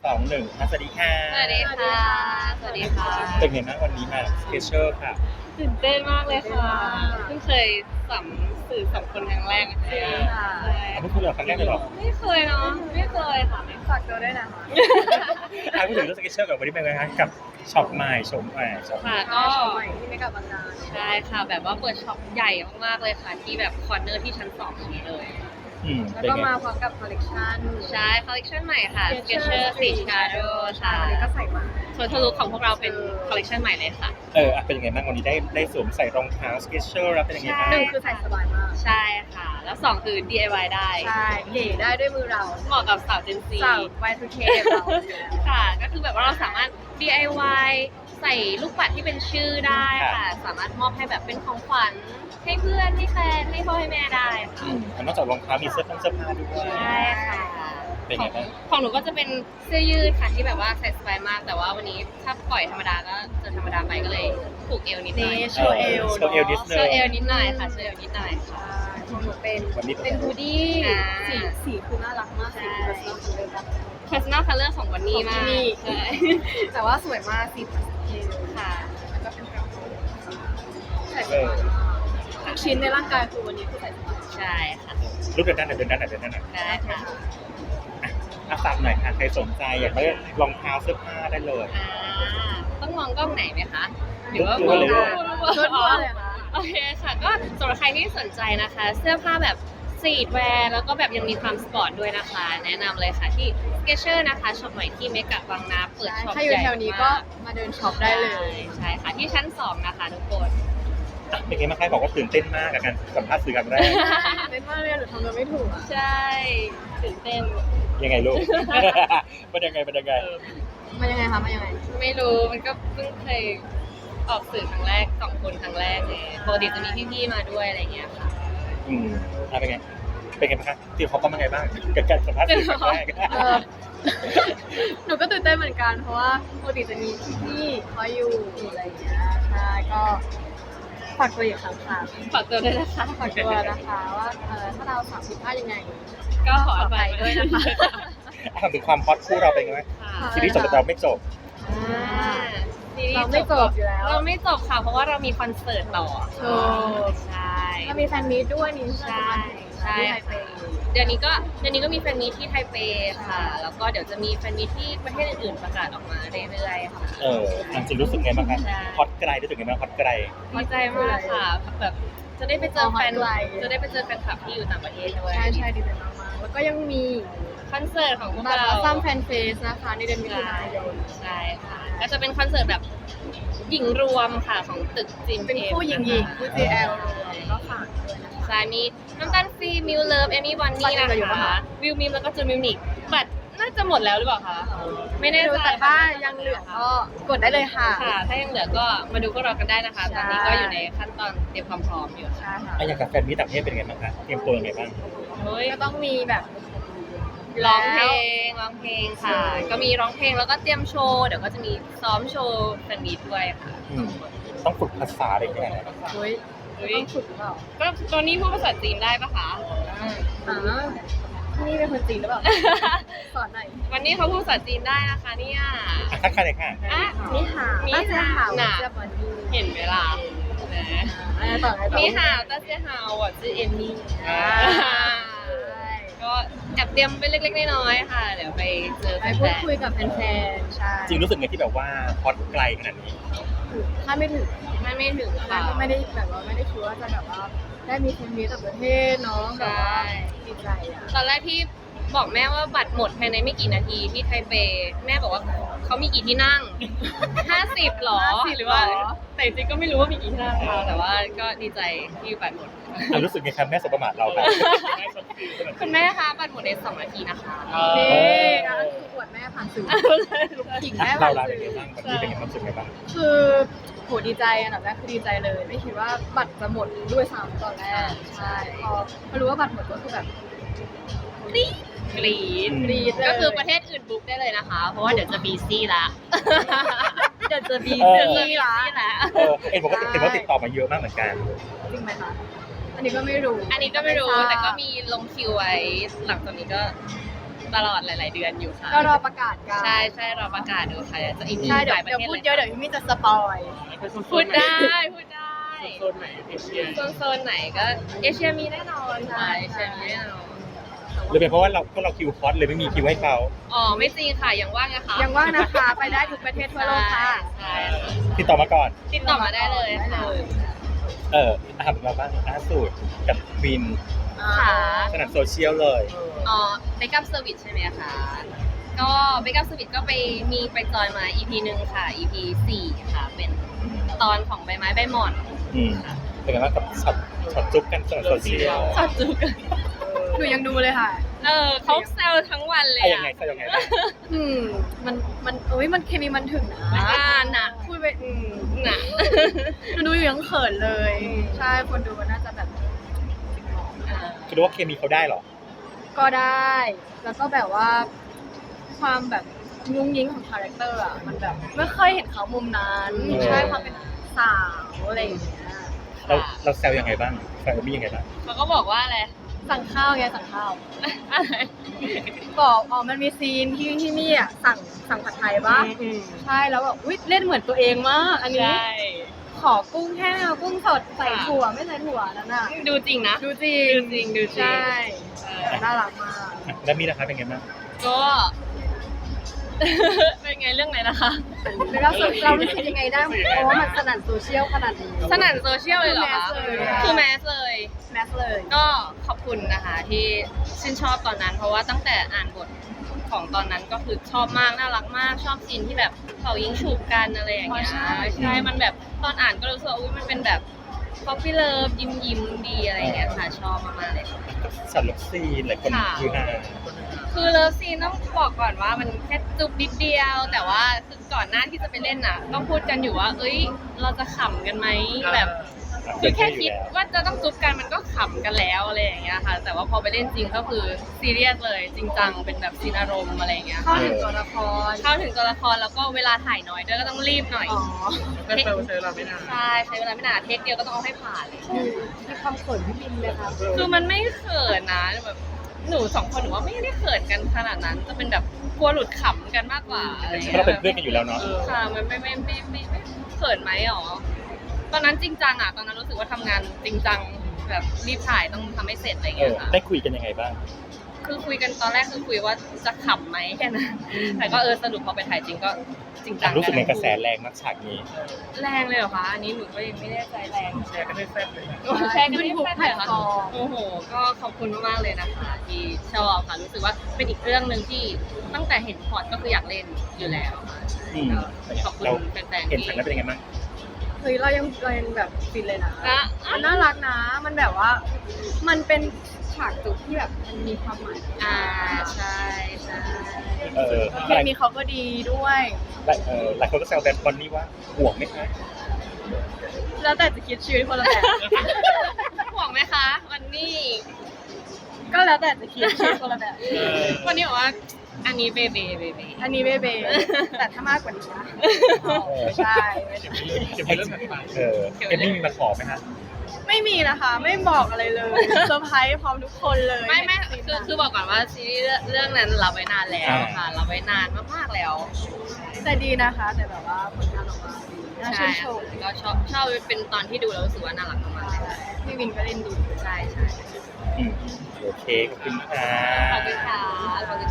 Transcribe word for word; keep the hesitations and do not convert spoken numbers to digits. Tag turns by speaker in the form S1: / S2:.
S1: สองหนึ่งสวัสดีค่ะ
S2: สวัสดีค่ะสวัสดีค่ะ
S1: เป็นไงบ้างวันนี้มาสเกเชอร์ค่ะ
S2: ตื่นเต้นมากเลยค่ะเพิ่งเคยสัมสื่อสองคนครั้งแรกนะคะใช่
S1: อันนี้คุณเหลือครั้งแรกเลยหรอ
S2: ไม่เคยเนาะไม่เคยค่ะไม่ฝากตัวด้วยนะคะ
S1: อ่ะพูดถึงเรื่องสเกเชอร์กับวันนี้เป็นไงคะกับช็อปใหม่ชมใหม่ช็อป
S2: ค่ะก็
S3: ช็อปใหม่ที่ไม่กับบางนา
S2: ใช่ค่ะแบบว่าเปิดช็อปใหญ่มากๆเลยค่ะที่แบบคอร์เนอร์ที่ชั้นสองนี้เลย
S3: แล้วก็มาพร้อมกับคอลเลกชัน
S2: ใช่คอลเลกชันใหม่ค่ะ Skechers Stitch Shadow
S3: ใช่วันนี้ก็ใส่มา
S2: ส่วนทะลุของพวกเราเป็นคอลเลกชันใหม่เลยค่ะ
S1: เออเป็นยังไงบ้างวันนี้ได้ได้สวมใส่รองเท้าสเกเชอร์แล้วเป็นยังไงบ้าง
S3: หนึ่งคือใส่สบายมาก
S2: ใช่ค่ะแล้วสองคือ ดี ไอ วาย ได้
S3: ใช่เก๋ได้ด้วยมือเรา
S2: เหมาะกับสาว Gen Z
S3: สาว วาย ทู เค เรา
S2: ค่ะก็คือแบบว่าเราสามารถ ดี ไอ วาย ใส่ลูกปัดที่เป็นชื่อได้ค่ะสามารถมอบให้แบบเป็นของขวัญให้เพื่อนให้แฟนให้พ่อให้แม่ได้ค่ะ
S1: นอกจากรองเท้ามีเสื้อผ้าเสื้อผ้าด้วย
S2: ใช่ค่ะ
S1: เป็นไงบ้าง
S2: ของหนูก็จะเป็นเสื้อยืดค่ะที่แบบว่าใส่สบายมากแต่ว่าวันนี้ถ้าปล่อยธรรมดาก็จะธรรมดาไปก็เลยผูกเอวนิดหน่อย
S3: โชว์เอว
S1: โชว์เอวนิดนึง
S2: โชว์เอวนิดหน่อยค่ะโชว์เอวนิดหน่อยค่ะ
S3: ของหนูเป็นเป็นฮูดี้สีสีคือน่ารักมากสี
S2: personal color ของวันนี้มากใช่
S3: แต่ว่าสวยมากสีพาสเทล
S2: ค่ะ
S3: แล้วก็เป็นกระโปรงใส่สบายทุกชิ้นในร่างกายคือวันนี้คือใส่สบาย
S2: ใช่ค่ะ
S1: รูปเดินด้านไหนเดินด้านไหนเดินด้านไหน
S2: ได้ค่ะ
S1: อ่ะฝากหน่อยค่ะใครสนใจอยากได้รองเท้าเสื้อผ้าได้เลย
S2: อ่าต้องมองกล้องไหนไหมคะหรือว่า
S1: มองเลย
S3: ชุดเลยค่ะ
S2: โอเคค่ะก็สำหรับใครที่สนใจนะคะเสื้อผ้าแบบสตรีทแวร์แล้วก็แบบยังมีความสปอร์ตด้วยนะคะแนะนำเลยค่ะที่ Skechers นะคะช็อปใหม่ที่เมกะบางนาเปิดช็อปใหญ่
S3: ถ้าอยู่แถวนี้ก็มาเดินช็อปได้เลย
S2: ใช่ค่ะที่ชั้นสองนะคะทุกคน
S1: เป็นไงบ้างคะบอกว่าตื่นเต้นมากกับการสัมภาษณ์สื่อครั้งแรก
S3: เต้นมากเลยหนูทำตัวไม่ถูกอ่ะ
S2: ใช่ตื่นเต้น
S1: ยังไงลูกมันยังไงมันยังไง
S3: มันยังไงคะมันยังไง
S2: ไม่รู้มันก็เพิ่งเคยออกสื่อครั้งแรกสองคนครั้งแรกเลยปกติจะมีพี่ๆมาด้วยอะไรเงี้ยค่ะ
S1: อืมเป็นไงเป็นไงบ้างคะที่เขาก็เป็นไงบ้างกับการสัมภาษณ์สื่อครั้งแรก
S3: หนูก็ตื่นเต้นเหมือนกันเพราะว่าปกติจะมีพี่ๆเขาอยู่อะไรอย่างเงี้ยใช่ก็ฝากตัวอีกครั้งค่ะ
S2: ฝากตัวด้วยนะคะ
S3: ฝากตัวนะคะว่าเออถ้าเราสามสิบห้ายังไง
S2: ก็ขออภัยด้วยนะคะ
S1: ถามถึงความฮอตคู่เราเป็นไงซีรีส์จบแต่เราไม่จบ
S3: เราไม่จบอยู่แล้ว
S2: เราไม่จบค่ะเพราะว่าเรามีคอนเสิร์ตต่อ
S3: โอ้
S2: ใช่
S3: เรามีแฟนมีตด้วยนี่
S2: ใช่ใช่เดี๋ยวนี้ก็เดี๋ยวนี้ก็มีแฟนมีตที่ไทเปค่ะแล้วก็เดี๋ยวจะมีแฟนมีตที่ประเทศอื่นๆประกาศออกมาเรื่อยๆค่ะ
S1: เออจริงรู้สึกไงบ้างคะฮอตไกลรู้สึกไงบ้างฮอตไกล
S2: ดีใจมากค่ะแบบจะได้ไปเจอแฟนจะได้ไปเจอแฟนคลับที่อยู่ต่างประเทศด้วย
S3: ใช่ใช่ดีใจมากๆแล้วก็ยังมี
S2: คอนเสิร์ตของพวกเรา
S3: ซัมแฟนเฟสนะคะในเดือนมิถุนายน
S2: ใช่ค่ะก็จะเป็นคอนเสิร์ตแบบหญิงรวมค่ะของตึกจิม
S3: เป็นคู่หญิงหญิงคู่ จี แอล ก็ฝากด้วยนะคะ
S2: ใช่มีน้ำตาลฟรีมิวเลิฟเอมี่วันนี่นะคะวิวมิมแล้วก็จูมิวนิกบัตรน่าจะหมดแล้วหรือเปล่าคะไม่แน่ใจ
S3: แต่ถ้ายังเหลือก็กดได้เลยค่ะ
S2: ค่ะถ้ายังเหลือก็มาดูพวกเรากันได้นะคะตอนนี้ก็อยู่ในขั้นตอนเตรียมความพร้อมอยู่
S3: ใช่ค่ะ
S1: อย่างกับแฟนมิตรต่างประเทศเป็นไงบ้างคะเตรียมตัวยังไงบ้าง
S3: ก็ต้องมีแบบ
S2: ร้องเพลงร้องเพลงค่ะก็มีร้องเพลงแล้วก็เตรียมโชว์เดี๋ยวก็จะมีซ้อมโชว์แฟนมีตด้วยค่ะ
S1: ต้องฝึกภาษาอะไรอย่างเงี้ย
S3: เฮ้ยต้องฝึกหรือเปล่า
S2: ก็ตอนนี้พูดภาษาจีนได้ปะคะ
S3: อ่านี่เป็นคนจีนหรือเปล่าสอนหน่อย
S2: วันนี้เขาพูดภาษาจีนได้นะคะเนี่ย
S1: ทักทายเลยค่ะ
S2: อ่ะ
S3: นี่หา
S2: นี่หาวน่ะเห็นไหมล่ะนี่หาวต้าเจียหาวอ่ะชื่อเอมมี่ก็แอบเตรียมไปเล็กๆน้อยๆค่ะเดี๋ยวไปเจอ
S3: ไปพูดคุยกับแฟนๆใช่
S1: จริงรู้สึกไงที่แบบว่าฮอตไกลขนาดนี้
S3: ถ้าไม่ถึง
S2: ถ้าไม่ถึงค่ะ
S3: ไม่ได้แบบว่าไม่ได้คิดว่าจะแบบว่าได้มีแฟนมีตต่างประเทศเนาะแบบว่าดีใจอ่ะ
S2: ตอนแรกที่บอกแม่ว่าบัตรหมดภายในไม่กี่นาทีที่ไทเปแม่บอกว่าเขามีกี่ที่นั่งห้าสิบหรอหรือว่าแต่จริงก็ไม่รู้ว่ามีกี่ที่นั่งค่ะแต่ว่าก็ดีใจที่บัตรหมด
S1: รู้สึกไงครับแม่สบประมาทเราครับ
S2: คุณแม่คะบัตรหมดในสองนาทีนะคะ
S3: โอเคงั้นคืออวดแม่ผ่านสื่อขิงแม่ผ่านสื่อ
S1: วันนี้เป็นยังไงความรู้สึกไงบ้าง
S3: คือโหดีใจอันดับแรกคือดีใจเลยไม่คิดว่าบัตรจะหมดด้วยซ้ำตอนแรกใช่พอพอรู้ว่าบัตรหมดก็คือแบบ
S2: กรี๊ดกรี๊ด
S3: กรี๊ด
S2: ก็คือประเทศอื่นบุ๊กได้เลยนะคะเพราะว่าเดี๋ยวจะบีซี่ละเดี๋ยวจะบีซี่ละ
S1: เออเห็นบอกว่าเห็นว่าติดต่อมาเยอะมากเหมือนกัน
S3: จริงไหมคะอันนี้ก็ไม่รู้
S2: อันนี้ก็ไม่รู้แต่ก็มีลงคิวไว้หลังจากนี้ก็ตลอดหลาย ๆ เดือนอยู่ค่ะ
S3: ก็รอประกาศกัน
S2: ใช่ใช่รอประกาศดูค่ะเดี๋ยวจะอีก
S3: ใช่เดี๋ยว
S2: หลายประ
S3: เดี๋ยว
S2: เทศ
S3: พูด
S2: เลย
S3: เยอะเดี๋ยวพี่มี่จะสปอย
S2: พูดได้พูดได้
S1: โซนไหนเอเชีย
S2: โซนโซนไหนก็เอเชียมีแน่นอนค่ะเอเชียมีแน่นอน
S1: หรือเป็นเพราะว่าเราพวกเราคิวฮอตเลยไม่มีคิวให้เขา
S2: อ๋อไม่จริงค่ะยังว่างนะคะ
S3: ยังว่างนะคะ ไปได้ทุกประเทศทั่วโลกค่ะ
S2: ใช่
S1: ติดต่อมาก่อน
S2: ติดต่อมาได้เลยค่ะ
S1: เออถามเราบ้างล่าสุดกับวิน
S2: ค่ะ
S1: สนับโซเชียลเลย
S2: อ๋อเบคอัพเซอร์วิสใช่ไหมคะ ก็เบคอัพเซอร์วิสก็ไปมีไปจอยมา อี พี หนึ่งค่ะ อี พี สี่ค่ะ เป็นตอนของใบไม้ใบหม่อน
S1: อืมเป็นไงบ้างกับช็อตช็อตจุ๊บกันสนับโซเชียล
S2: สดจุก
S3: หนูยังดูเลยค่ะ
S2: เออเขาแซวทั้งวันเลย
S1: ไอ้ยั
S2: อะ
S1: งไงใช่ยังไงบ้าง
S3: อืมมันมันเอ้ยมันเคมีมันถึงนะ
S2: อ่าหนัก
S3: พูดไปอืม
S2: หนัก
S3: หนูดูอยู่ยังเขินเลย ใช่คนดูน่าจะแบบ
S1: คิดว่าเคมีเขาได้เหรอ
S3: ก็ได้ แล้วก็แบบว่า ความแบบงุ้งยิงของคาแรคเตอร์อ่ะมันแบบไม่เคยเห็นเขามุมนั้น
S1: เออ
S3: ใช่ความเป็นสาวอะไรอย่างเงี้ย
S1: เราเราแซวยังไงบ้างแซวมี่ยังไงบ้าง
S2: เขาก็บอกว่าอะไร
S3: สั่งข้าวไงสั่งข้าว
S2: อะไร
S3: บอกอ๋อมันมีซีนที่ที่นี่อ่ะสั่งสั่งผัดไทยปะใช่แล้วแบบอุ้ยเล่นเหมือนตัวเองมากอันนี้
S2: ใช่
S3: ขอกุ้งแห้งเอากุ้งสดใส่ถั่วไม่ใส่ถั่วนั่นน่ะ
S2: ดูจริงนะ
S3: ดูจริง
S2: ดูจริงดูจริง
S3: ใช่
S2: เออ
S3: น่ารักมาก
S1: แล้วมี่นะคะเป็นไงบ้าง
S2: ก็ เป็นไงเรื่องไหนนะคะ
S3: แล้วเราเรารู้สึกยังไงได้เพราะว่ามันสนั่นโซเชียลขนาดนี้
S2: สนั่นโซเชียลเลยเหรอคะ
S3: คือแมสเลย
S2: คือแมสเลย
S3: แมสเลย
S2: ก็ขอบคุณนะคะที่ชื่นชอบตอนนั้น เพราะว่าตั้งแต่อ่านบทของตอนนั้นก็คือชอบมากน่ารักมากชอบซีนที่แบบเขายิงฉุบกันอะไรอย่างเงี้ย
S3: อ๋อใช่
S2: ใช่มันแบบตอนอ่านก็รู้สึกว่าอุ๊ยมันเป็นแบบ ป๊อปปี้เลิฟยิ้มยิ้มๆดีอะไรอย่างเงี้ยค่ะชอบมากๆเลยค่ะ
S1: สัตว์เลิฟซีนหลายคน
S2: ค่ะ
S1: คือฮา
S2: คือเลิฟซีนต้องบอกก่อนว่ามันแค่จุบนิดเดียว แต่ว่าคือก่อนหน้าที่จะไปเล่นน่ะ ต้องพูดกันอยู่ว่า เอ้ย เราจะขำกันไหมแบบคือแค่คิดว่าจะต้องจุบกันมันก็ขำกันแล้วอะไรอย่างเงี้ยค่ะ แต่ว่าพอไปเล่นจริงก็คือซีเรียสเลยจริงจังเป็นแบบซีนอารมณ์อะไรอย่างเงี้ย
S3: เข้าถึงตัวละคร
S2: เข้าถึงตัวละครแล้วก็เวลาถ่ายน้อยด้วยก็ต้องรีบหน่อย
S3: อ๋อ
S2: เทคใช้เวลาไม่นานใช่ใช้เวลาไม่นานเทคเดียวก็ต้องเอาให้ผ่านเลย
S3: มีความเขินพี่บินเลยครับ
S2: คือมันไม่เขินนะแบบหนูสองคนหนูว่าไม่ได้เขินกันขนาดนั้น จะเป็นแบบกลัวหลุดขำกันมากกว่าอะไรอย่าง
S1: เพ
S2: เงี้
S1: ราะ
S2: ย
S1: เราเป็นเพื่อนกันอยู่แล้วเนาะ
S2: ค่ะมันไม่ไม่ไม่ไม่ไม่เขินไหมหรอตอนนั้นจริงจังอ่ะตอนนั้นรู้สึกว่าทำงานจริงจังแบบรีบถ่ายต้องทำให้เสร็จอะไรอย่าง
S1: เอ
S2: เงี้
S1: อย
S2: ค่ะ
S1: ได้คุยกันยังไงบ้าง
S2: คือคุยกันตอนแรกคือคุยว่าจะขำไหมแค่นั้นแต่ก็เออสรุปพอไปถ่ายจริงก็จริงจัง
S1: รู้สึกไงกระแสแรงมากฉากนี้
S2: แรงเลยเหรอคะอันนี้หนูก็ยังไม่แน่ใจแรง
S1: แชร์กันให้แซ่บเลย
S2: แชร์กันทุกแพลตฟอร์มโอ้โห ก็ขอบคุณมากๆเลยนะคะ ที่ชอบค่ะ รู้สึกว่าเป็นอีกเรื่องหนึ่งที่ตั้งแต่เห็นพอร์ตก็คืออยากเล่นอยู่แล้วค่ะ
S1: อืม
S2: ขอบคุณ
S1: เรา
S2: แฟนๆ
S1: เห็น
S2: ที่
S1: ฉากนั้นเป็นยังไงบ้าง
S3: เฮ้ยเรายังเรายังแบบฟินเลยนะ
S2: นะ
S3: มันน่ารักนะ มันแบบว่า มันเป็นฉากจุกที่แบบมันมีความหมาย
S2: อ่าใช่ใช่
S1: เออ
S3: เพลงนี้เขาก็ดีด้วย
S1: หลายเออหลายคนก็แซวแบนบอนนี่ว่าห่วงไหมคะ
S3: แล้วแต่จะคิดชีวิตคนละแบบ
S2: ห่วงไหมคะ วันนี้
S3: ก็แล้วแต่จะคิดชีวิตคนละแบบ
S2: วันนี้บอกว่า อันนี้เบเบเบเบ
S3: อันนี้เบเบแต่ถ้ามากกว่านี้นะอ๋อไม่ใช่ไม่ใช่
S1: จะมีเรื่องถัดไปเออเอมมี่มีมาขอไหมคะ
S3: ไม่มีนะคะ ไม่บอกอะไรเลยเซอร์ไพรส์พร้อมทุกคนเลย
S2: ไม่ไม่
S3: ซีน
S2: คือ
S3: นั้น
S2: คือบอกก่อนว่าซีรีส์เรื่องนั้นรับไว้นานแล้วค่ะรับไว้นานมากๆแล้ว
S3: แต่ดีนะคะ แต่แบบว่าผลงานออกมาดีน่า
S2: ใช่
S3: ชื่นชม
S2: ก็ชอบชอบเป็นตอนที่ดูแล้วรู้สึกว่าน่ารักมากๆเลย
S3: พี่วินก็เล่นดี
S2: ใช่ใช่
S1: อืมโอเคขอบคุณค่ะ
S2: ขอบคุณค่ะขอบคุณ